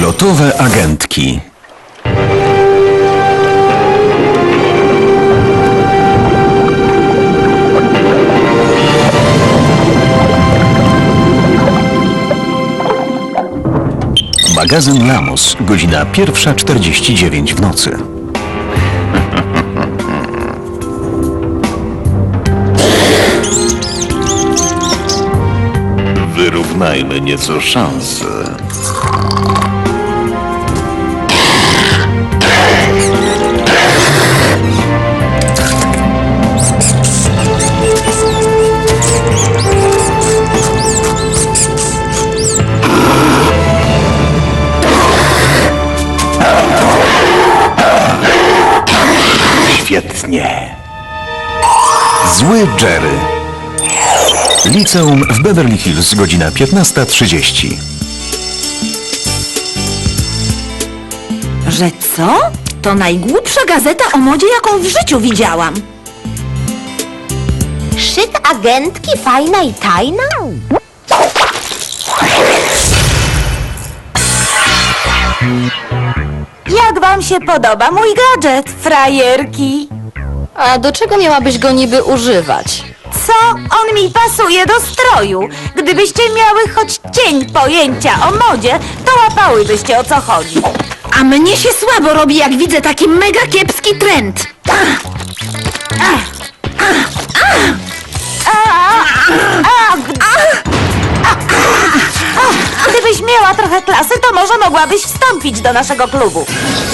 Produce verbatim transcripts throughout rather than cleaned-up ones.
Lotowe agentki. Magazyn Lamos, godzina pierwsza czterdzieści dziewięć w nocy. Wyrównajmy nieco szanse. Świetnie. Zły Jerry. Liceum w Beverly Hills, godzina piętnasta trzydzieści. Że co? To najgłupsza gazeta o modzie, jaką w życiu widziałam. Szyk agentki, fajna i tajna? Jak wam się podoba mój gadżet, frajerki? A do czego miałabyś go niby używać? Co? On mi pasuje do stroju. Gdybyście miały choć cień pojęcia o modzie, to łapałybyście, o co chodzi. A mnie się słabo robi, jak widzę taki mega kiepski trend. Gdybyś miała trochę klasy, to może mogłabyś wstąpić do naszego klubu.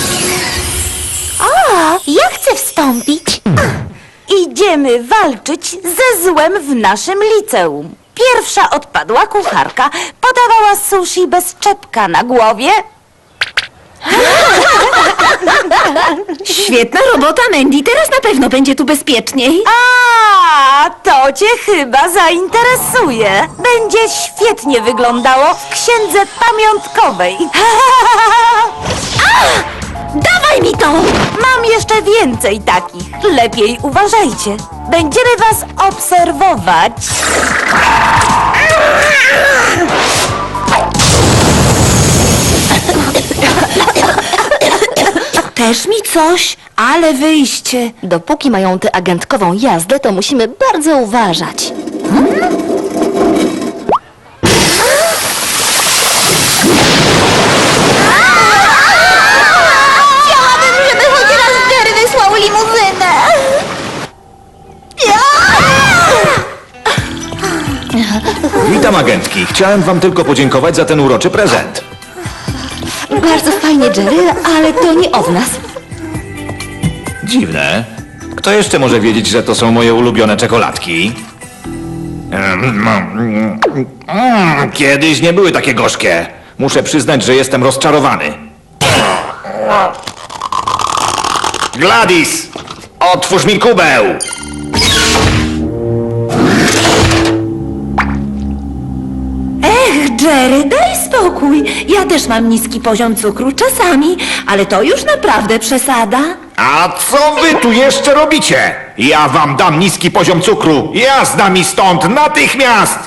O, ja chcę wstąpić. Idziemy walczyć ze złem w naszym liceum. Pierwsza odpadła kucharka. Podawała sushi bez czepka na głowie. Świetna robota, Mandy. Teraz na pewno będzie tu bezpieczniej. A, to cię chyba zainteresuje. Będzie świetnie wyglądało w księdze pamiątkowej. Dawaj mi to! Mam jeszcze więcej takich. Lepiej uważajcie. Będziemy was obserwować. Też mi coś, ale wyjście. Dopóki mają tę agentkową jazdę, to musimy bardzo uważać. Chciałabym, żeby choć raz Jerry wysłał limuzynę. Witam agentki. Chciałem wam tylko podziękować za ten uroczy prezent. Bardzo fajnie, Jerry, ale to nie od nas. Dziwne. Kto jeszcze może wiedzieć, że to są moje ulubione czekoladki? Mm, Kiedyś nie były takie gorzkie. Muszę przyznać, że jestem rozczarowany. Gladys! Otwórz mi kubeł! Ech, Jerry, daj spokój. Ja też mam niski poziom cukru czasami, ale to już naprawdę przesada. A co wy tu jeszcze robicie? Ja wam dam niski poziom cukru. Jazda mi stąd natychmiast!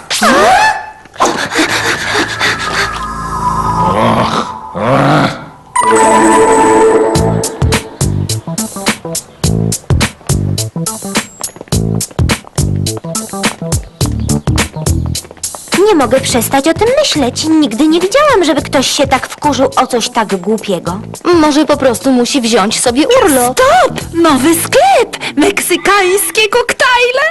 Nie mogę przestać o tym myśleć. Nigdy nie widziałam, żeby ktoś się tak wkurzył o coś tak głupiego. Może po prostu musi wziąć sobie urlop. Stop! Nowy sklep! Meksykańskie koktajle!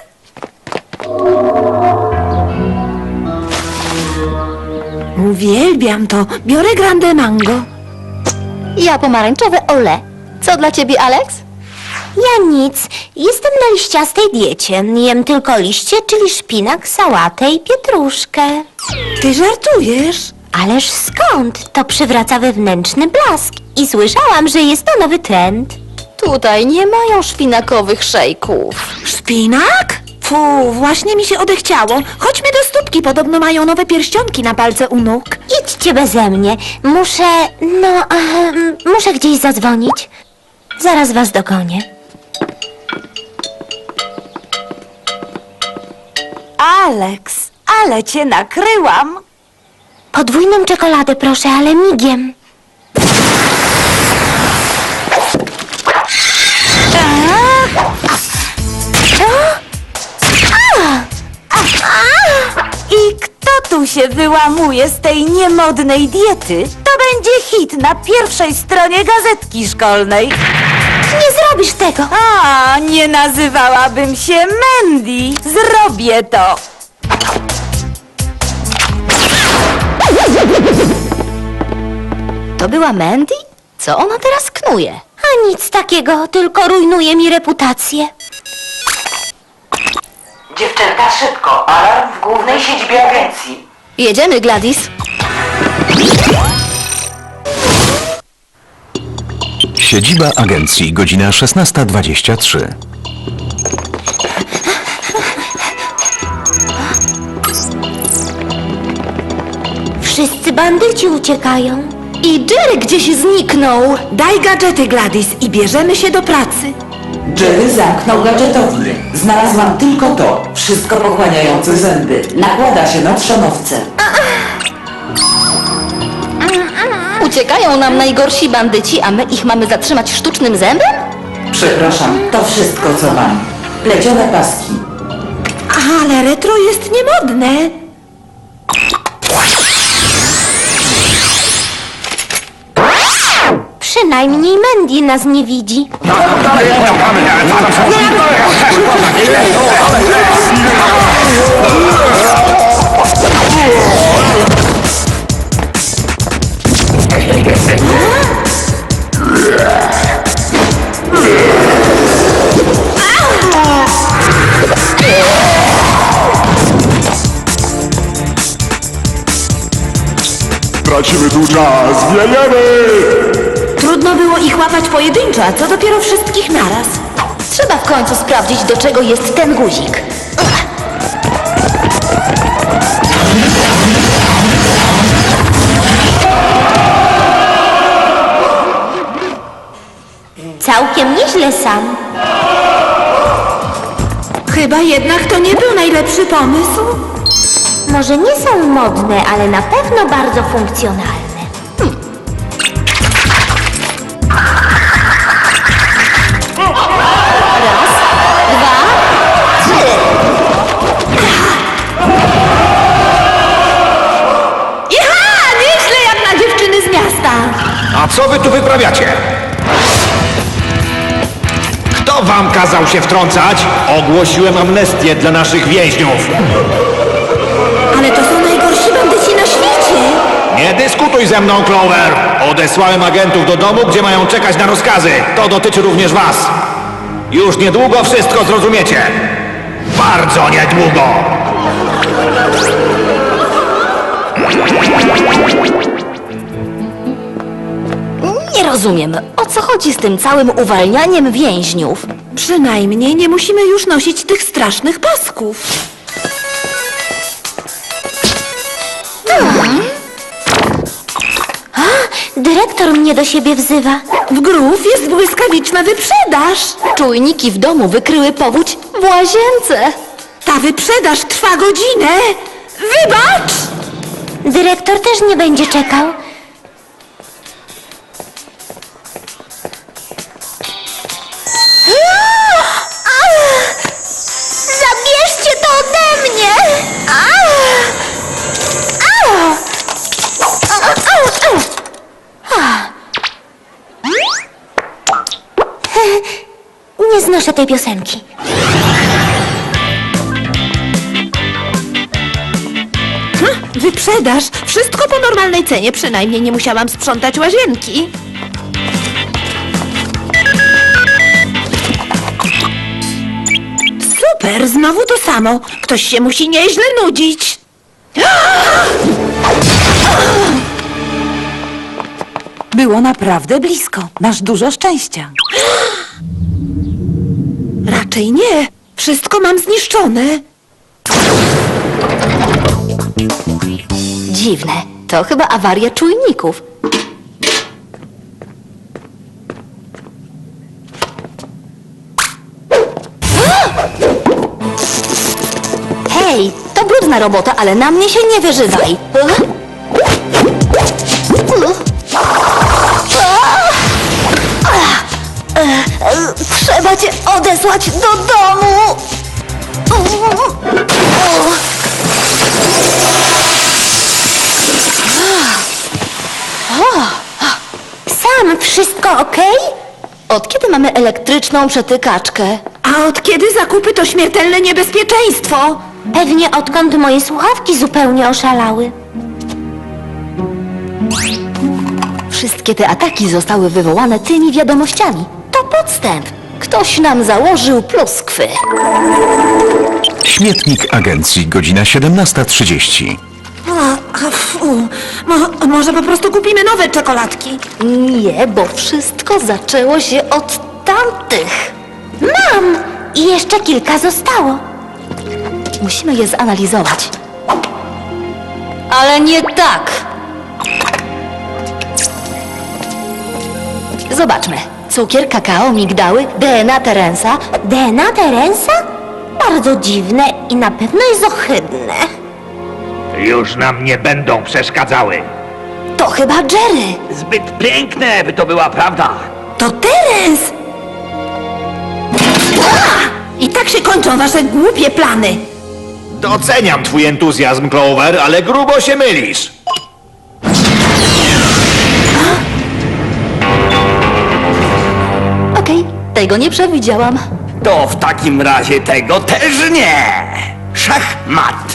Uwielbiam to. Biorę grande mango. Ja pomarańczowe ole. Co dla ciebie, Alex? Ja nic. Jestem na liściastej diecie. Jem tylko liście, czyli szpinak, sałatę i pietruszkę. Ty żartujesz? Ależ skąd? To przywraca wewnętrzny blask. I słyszałam, że jest to nowy trend. Tutaj nie mają szpinakowych szejków. Szpinak? Fu, właśnie mi się odechciało. Chodźmy do stópki, podobno mają nowe pierścionki na palce u nóg. Idźcie beze mnie. Muszę... no... em, muszę gdzieś zadzwonić. Zaraz was dogonię. Alex, ale cię nakryłam. Podwójną czekoladę proszę, ale migiem. się wyłamuje z tej niemodnej diety, to będzie hit na pierwszej stronie gazetki szkolnej. Nie zrobisz tego. A, nie nazywałabym się Mandy. Zrobię to. To była Mandy? Co ona teraz knuje? A nic takiego, tylko rujnuje mi reputację. Dziewczęta, szybko! Alarm w głównej siedzibie agencji. Jedziemy, Gladys. Siedziba agencji, godzina szesnasta dwadzieścia trzy. Wszyscy bandyci uciekają. I Jerry gdzieś zniknął. Daj gadżety, Gladys, i bierzemy się do pracy. Jerry zamknął gadżetownię. Znalazłam tylko to. Wszystko pochłaniające zęby. Nakłada się na trzonowce. Uciekają nam najgorsi bandyci, a my ich mamy zatrzymać sztucznym zębem? Przepraszam, to wszystko co mam. Plecione paski. Ale retro jest niemodne. Przynajmniej Mandy nas nie widzi. Tracimy tu czas, wiejemy! Trudno było ich łapać pojedynczo, a co dopiero wszystkich naraz. Trzeba w końcu sprawdzić, do czego jest ten guzik. Całkiem nieźle sam. Chyba jednak to nie był najlepszy pomysł. Może nie są modne, ale na pewno bardzo funkcjonalne. Iha! Nieźle jak na dziewczyny z miasta. A co wy tu wyprawiacie? Kto wam kazał się wtrącać? Ogłosiłem amnestię dla naszych więźniów. Ale to są najgorsi bandyci na świecie. Nie dyskutuj ze mną, Clover! Odesłałem agentów do domu, gdzie mają czekać na rozkazy. To dotyczy również was. Już niedługo wszystko zrozumiecie. Bardzo niedługo! Nie rozumiem, o co chodzi z tym całym uwalnianiem więźniów? Przynajmniej nie musimy już nosić tych strasznych pasków. Dyrektor mnie do siebie wzywa. W Grów jest błyskawiczna wyprzedaż. Czujniki w domu wykryły powódź w łazience. Ta wyprzedaż trwa godzinę. Wybacz! Dyrektor też nie będzie czekał. Zabierzcie to ode mnie! Nie znoszę tej piosenki. Wyprzedaż. Wszystko po normalnej cenie. Przynajmniej nie musiałam sprzątać łazienki. Super, znowu to samo. Ktoś się musi nieźle nudzić. Było naprawdę blisko. Masz dużo szczęścia. Raczej nie. Wszystko mam zniszczone. Dziwne, to chyba awaria czujników. Hej, to brudna robota, ale na mnie się nie wyżywaj. Trzeba cię odesłać do domu. Mam, wszystko okej? Od kiedy mamy elektryczną przetykaczkę? A od kiedy zakupy to śmiertelne niebezpieczeństwo? Pewnie odkąd moje słuchawki zupełnie oszalały. Wszystkie te ataki zostały wywołane tymi wiadomościami. To podstęp. Ktoś nam założył pluskwy. Śmietnik agencji, godzina siedemnasta trzydzieści. A, a, fu. Mo, może po prostu kupimy nowe czekoladki? Nie, bo wszystko zaczęło się od tamtych. Mam! I jeszcze kilka zostało. Musimy je zanalizować. Ale nie tak. Zobaczmy. Cukier, kakao, migdały, D N A Terensa. D N A Terensa? Bardzo dziwne i na pewno jest ohydne. Już nam nie będą przeszkadzały. To chyba Jerry. Zbyt piękne, by to była prawda. To Terens! I tak się kończą wasze głupie plany. Doceniam twój entuzjazm, Clover, ale grubo się mylisz. Okej, tego nie przewidziałam. To w takim razie tego też nie! Szachmat!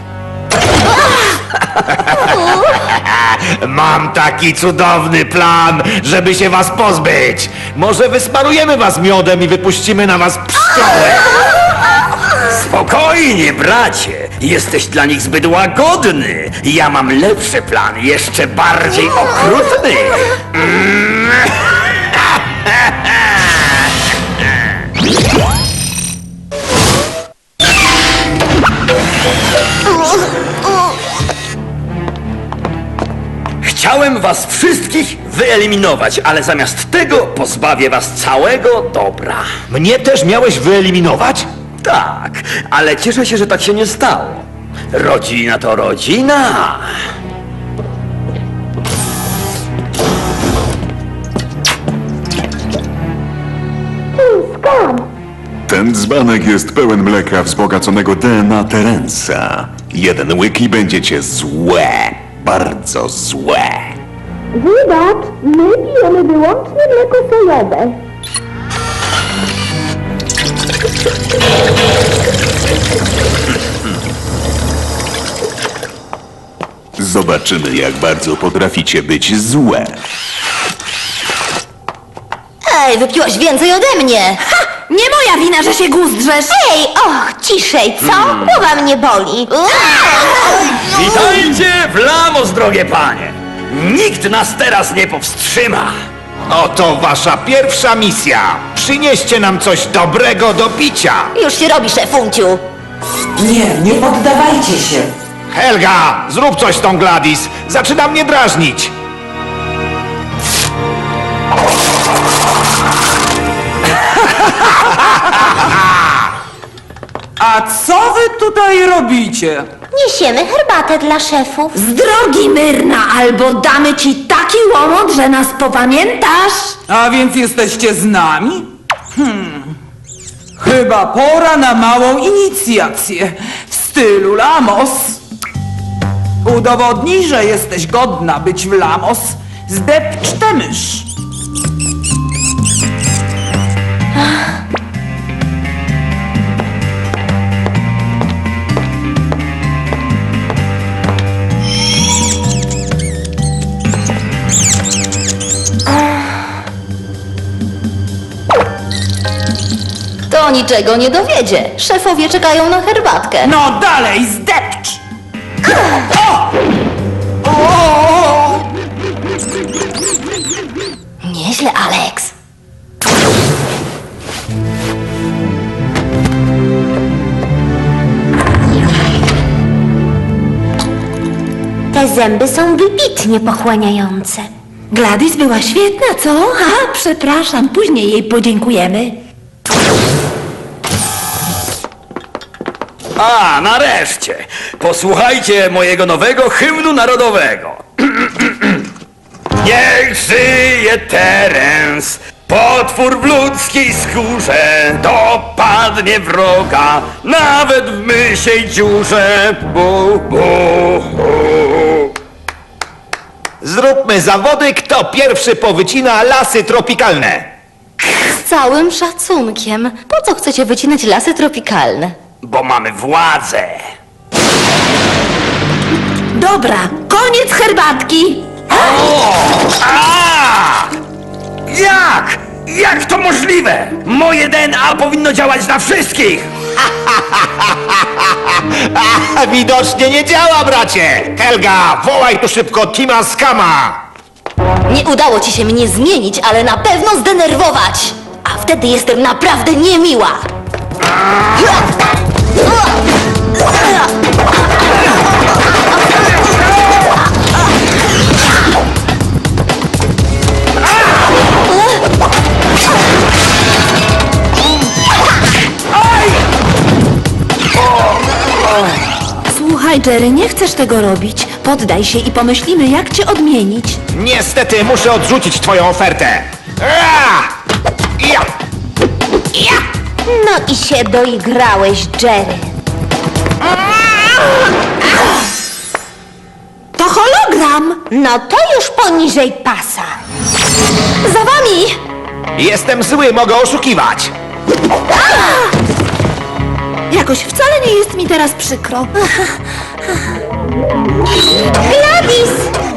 Mam taki cudowny plan, żeby się was pozbyć. Może wysmarujemy was miodem i wypuścimy na was pszczoły. Spokojnie, bracie! Jesteś dla nich zbyt łagodny! Ja mam lepszy plan, jeszcze bardziej okrutny! Chciałem was wszystkich wyeliminować, ale zamiast tego pozbawię was całego dobra. Mnie też miałeś wyeliminować? Tak, ale cieszę się, że tak się nie stało. Rodzina to rodzina. Ten dzbanek jest pełen mleka wzbogaconego D N A Terensa. Jeden łyk i będziecie złe. Bardzo złe. Wybacz, my pijemy wyłącznie mleko sojowe. Zobaczymy, jak bardzo potraficie być złe. Ej, wypiłaś więcej ode mnie. Nie moja wina, że się guzdrzesz. Ej, och, ciszej, co? Głowa mnie boli. Witajcie w Lamos, drogie panie! Nikt nas teraz nie powstrzyma! Oto wasza pierwsza misja. Przynieście nam coś dobrego do picia. Już się robi, szefunciu. Nie, nie poddawajcie się. Helga, zrób coś z tą Gladys. Zaczyna mnie drażnić. A co wy tutaj robicie? Niesiemy herbatę dla szefów. Z drogi Myrna, albo damy ci taki łomot, że nas popamiętasz. A więc jesteście z nami? Hmm. Chyba pora na małą inicjację w stylu Lamos. Udowodnij, że jesteś godna być w Lamos. Zdepcz tę mysz. To niczego nie dowiedzie. Szefowie czekają na herbatkę. No dalej, zdepcz! Nieźle, Alex. Te zęby są wybitnie pochłaniające. Gladys była świetna, co? A, przepraszam, później jej podziękujemy. A, nareszcie! Posłuchajcie mojego nowego hymnu narodowego. Niech żyje Terens, potwór w ludzkiej skórze, dopadnie wroga, nawet w mysiej dziurze. Bu, bu, bu. Zróbmy zawody, kto pierwszy powycina lasy tropikalne. Z całym szacunkiem. Po co chcecie wycinać lasy tropikalne? Bo mamy władzę. Dobra, koniec herbatki. A! Jak? Jak to możliwe? Moje D N A powinno działać na wszystkich! A widocznie nie działa, bracie! Helga, wołaj tu szybko Tima Skama! Nie udało ci się mnie zmienić, ale na pewno zdenerwować. A wtedy jestem naprawdę niemiła. Słuchaj, Jerry, nie chcesz tego robić. Poddaj się i pomyślimy, jak cię odmienić. Niestety muszę odrzucić twoją ofertę. Ra! Ja! Ja! No i się doigrałeś, Jerry. To hologram! No to już poniżej pasa. Za wami! Jestem zły, mogę oszukiwać. Jakoś wcale nie jest mi teraz przykro. Gladys!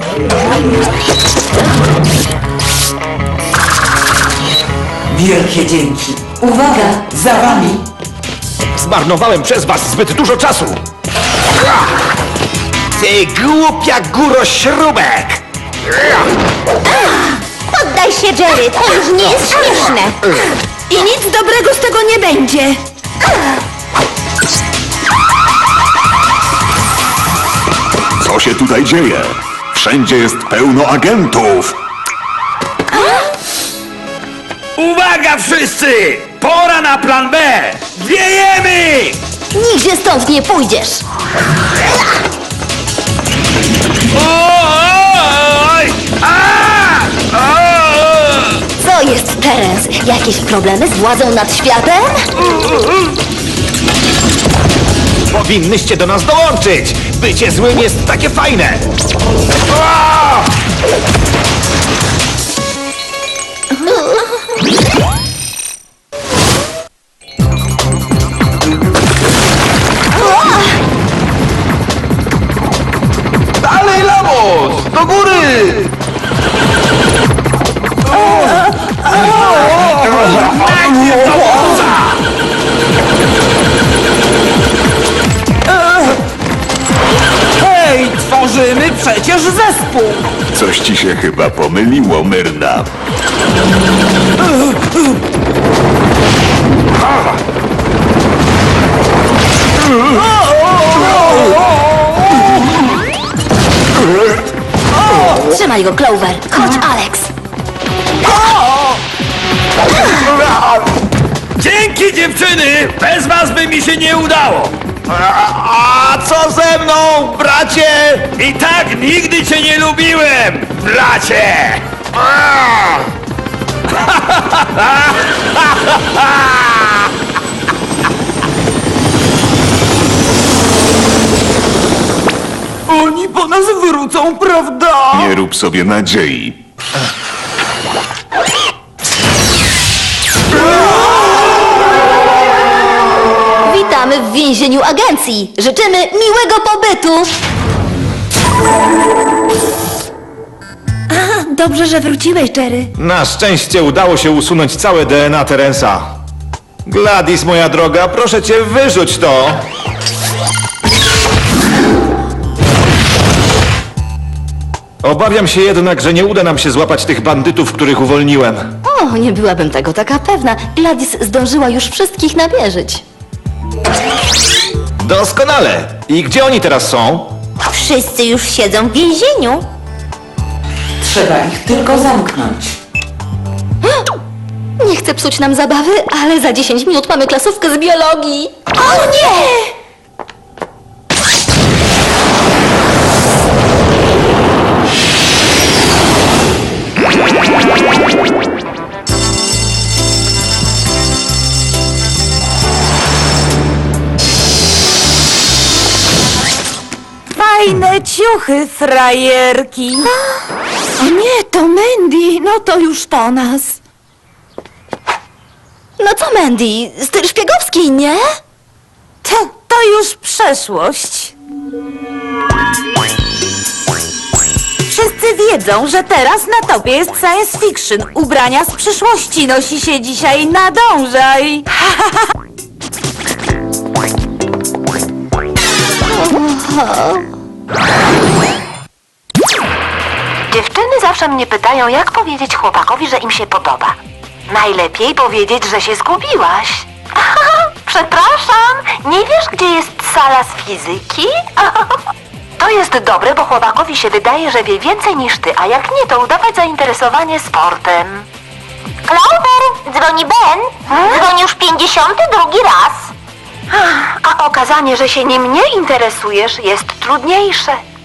Wielkie dzięki. Uwaga, za wami. Zmarnowałem przez was zbyt dużo czasu. Ra! Ty głupia górośrubek! Ra! Poddaj się, Jerry, to już nie jest śmieszne. I nic dobrego z tego nie będzie. Co się tutaj dzieje? Wszędzie jest pełno agentów. Uwaga wszyscy! Pora na plan B! Wiejemy! Nigdzie stąd nie pójdziesz. Oj! A! O! Co jest, Terence? Jakieś problemy z władzą nad światem? Powinnyście do nas dołączyć! Bycie złym jest takie fajne! A! Dalej, Lamos! Do góry! Hej, tworzymy przecież zespół! Coś ci się chyba pomyliło, Myrna. Trzymaj go, Clover. Chodź, Alex. Dzięki dziewczyny! Bez was by mi się nie udało! A co ze mną, bracie? I tak nigdy cię nie lubiłem, bracie! A! Oni po nas wrócą, prawda? Nie rób sobie nadziei. Witamy w więzieniu agencji. Życzymy miłego pobytu. Dobrze, że wróciłeś, Jerry. Na szczęście udało się usunąć całe D N A Terensa. Gladys, moja droga, proszę cię, wyrzuć to! Obawiam się jednak, że nie uda nam się złapać tych bandytów, których uwolniłem. O, nie byłabym tego taka pewna. Gladys zdążyła już wszystkich namierzyć. Doskonale! I gdzie oni teraz są? Wszyscy już siedzą w więzieniu. Trzeba ich tylko zamknąć. Nie chcę psuć nam zabawy, ale za dziesięć minut mamy klasówkę z biologii. O nie! Fajne ciuchy, frajerki. O nie, to Mandy, no to już po nas. No co, Mandy? Styl szpiegowski, nie? To, to już przeszłość. Wszyscy wiedzą, że teraz na topie jest science fiction. Ubrania z przyszłości nosi się dzisiaj nadążaj. Dziewczyny zawsze mnie pytają, jak powiedzieć chłopakowi, że im się podoba. Najlepiej powiedzieć, że się zgubiłaś. Przepraszam, nie wiesz, gdzie jest sala z fizyki? To jest dobre, bo chłopakowi się wydaje, że wie więcej niż ty, a jak nie, to udawać zainteresowanie sportem. Clover, dzwoni Ben. Dzwoni już pięćdziesiąty drugi raz. A okazanie, że się nim nie interesujesz, jest trudniejsze.